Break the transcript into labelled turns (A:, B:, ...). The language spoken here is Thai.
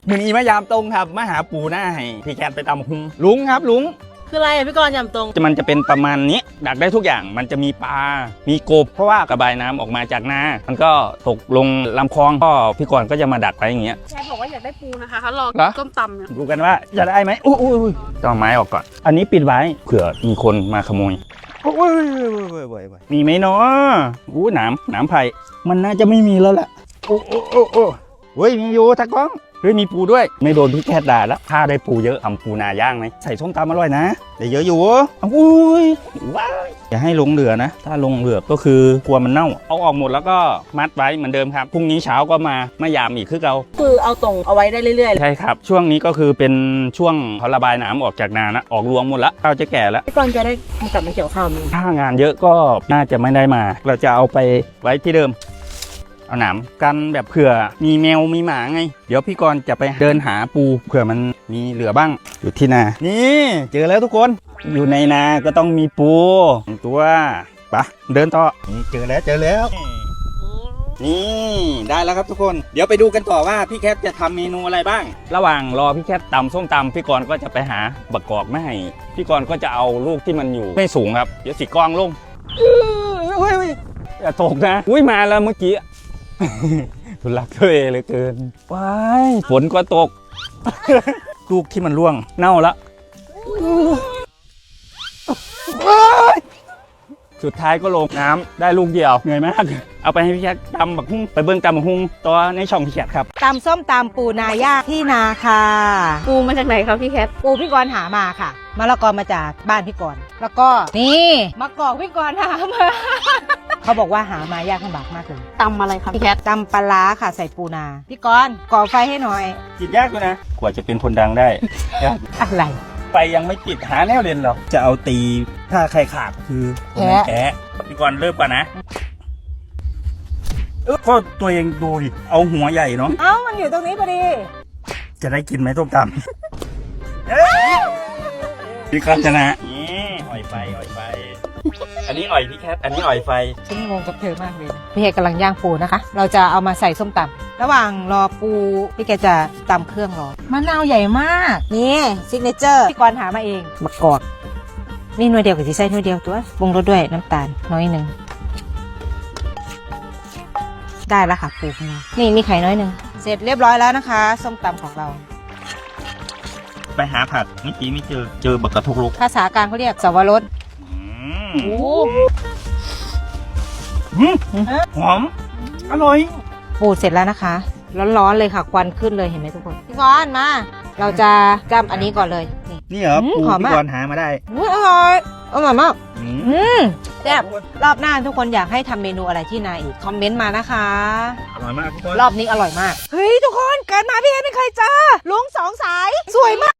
A: มือนี้มายามตรงครับมาหาปูหน้าให้พี่แคทไปตำหุงลุงครับลุง
B: คืออะไรพี่กรณ์ยำตรง
A: มันจะเป็นประมาณนี้ดักได้ทุกอย่างมันจะมีปลา มีกบเพราะว่ากระบายน้ำออกมาจากนามันก็ตกลงลำคลองก็พี่กรณ์ก็จะมาดักไว้อย่างเงี้ย
B: แชร์บอกว่าอยากได้ปูนะคะเขารอต้มตำเนี่ย
A: ดูกันว่าจะได้ไหมอุ้ยต้องไม้ออกก่อนอันนี้ปิดไว้เผื่อมีคนมาขโมยมีไหมเนาะหนามไผ่มันน่าจะไม่มีแล้วแหละโอ้ยมีอยู่ตะก้องเฮ้ยมีปูด้วยไม่โดนพี่แคทด่าแล้วถ้าได้ปูเยอะทำปูนาย่างไหมใส่ส้มตำอร่อยนะแต่เยอะอยู่อุ้ยว้าวอย่าให้ลงเหลือนะถ้าลงเหลือก็คือกลัวมันเน่าเอาออกหมดแล้วก็มัดไว้เหมือนเดิมครับพรุ่งนี้เช้าก็มายามอีกคือเรา
B: คือเอาตรงเอาไว้ได้เรื่อย
A: ๆใช่ครับช่วงนี้ก็คือเป็นช่วงเขาระบายน้ำออกจากนานะออกรวงหมดแล้วข้าวจะแก่แล้ว
B: พี่กรณ์จะได้กลับมาเกี่ยวข้าวมั้ย
A: ถ้างานเยอะก็น่าจะไม่ได้มาเราจะเอาไปไว้ที่เดิมเอาหนามกันแบบเผื่อมีแมวมีหมาไงเดี๋ยวพี่กรณ์จะไปเดินหาปูเผื่อมันมีเหลือบ้างอยู่ที่นานี่เจอแล้วทุกคนอยู่ในนาก็ต้องมีปูตัวปะเดินต่อนี่เจอแล้วนี่ได้แล้วครับทุกคนเดี๋ยวไปดูกันต่อว่าพี่แคทจะทำเมนูอะไรบ้างระหว่างรอพี่แคทตำส้มตำพี่กรณ์ก็จะไปหาบักกอกมาให้พี่กรณ์ก็จะเอาลูกที่มันอยู่ไม่สูงครับเดี๋ยวสิกองลงอย่าตกนะอุ้ยมาแล้วเมื่อกี้ทุลักทุเลเหลือเกินว้ายฝนก็ตก ลูกที่มันร่วงเน่าละสุดท้ายก็ลงน้ำได้ลูกเดียวเหนื่อยมากเอาไปให้พี่แคทตำบักฮุ้งไปเบิ้งตำบักฮุ้งตัวในช่องพี่แคทครับ
C: ตำส้มตำปูนาย่างที่นาค่ะ
B: ปูมาจากไหนครับพี่แคท
C: ปูพี่กรณ์หามาค่ะมะละกอมาจากบ้านพี่กรณ์แล้วก็นี่มะกอกพี่กรณ์หามา เขาบอกว่าหามายากลำบากมากเลย
B: ตำอะไรครับพี่แคท
C: ตำปลาร้าค่ะใส่ปูนาพี่กรณ์ก่อไฟให้หน่อย
A: จิตยากด้วยนะกว่าจะเป็นคนดังได้
C: อะไร
A: ไฟยังไม่ติดหาแนวเรียนหรอกจะเอาตีถ้าใครขาดคือแพ้พี่กรณ์เริ่มก่อนนะก็ตัวเองดูดิเอาหัวใหญ่เนาะ
C: มันอยู่ตรงนี้พอดี
A: จะได้กินไหมส้มตำพี่กรณ์ชนะนี่อ่อยไฟอันนี้อ่อยพี่แคทอันนี้อ่อยไฟ
C: ฉันงงกับเธอมากเลยพี่แกกำลังย่างปูนะคะเราจะเอามาใส่ส้มตำระหว่างรอปูพี่แกจะตำเครื่องรอมะนาวใหญ่มากนี่ซิกเนเจอร์พี่กรณ์หามาเองมะกอกนี่หน่วยเดียวกับที่ใส่หน่วยเดียวตัวปรุงรสด้วยน้ำตาลน้อยหนึ่งได้แล้วค่ะปูของเรานี่มีไข่น้อยหนึ่งเสร็จเรียบร้อยแล้วนะคะส้มตำของเรา
A: ไปหาผักเมื่อกี้ไม่เจอบักกระทกลุก
C: ภาษากลางเขาเรียกสวรส
A: หอมอร่อย
C: ปูเสร็จแล้วนะคะร้อนๆเลยค่ะควันขึ้นเลยเห็นไหมทุกคนพี่กรณ์มาเราจะจำอันนี้ก่อนเลย
A: นี่เหรอปูพี่กรณ์หามาได้
C: อร่อยมากแซ่บรอบหน้าทุกคนอยากให้ทำเมนูอะไรที่นาอีกคอมเมนต์มานะคะ
A: อร่อยมากทุกคน
C: รอบนี้อร่อยมากเฮ้ยทุกคนเกิดมาพี่เอ็นไม่เคยเจอลุง2 สายสวยมาก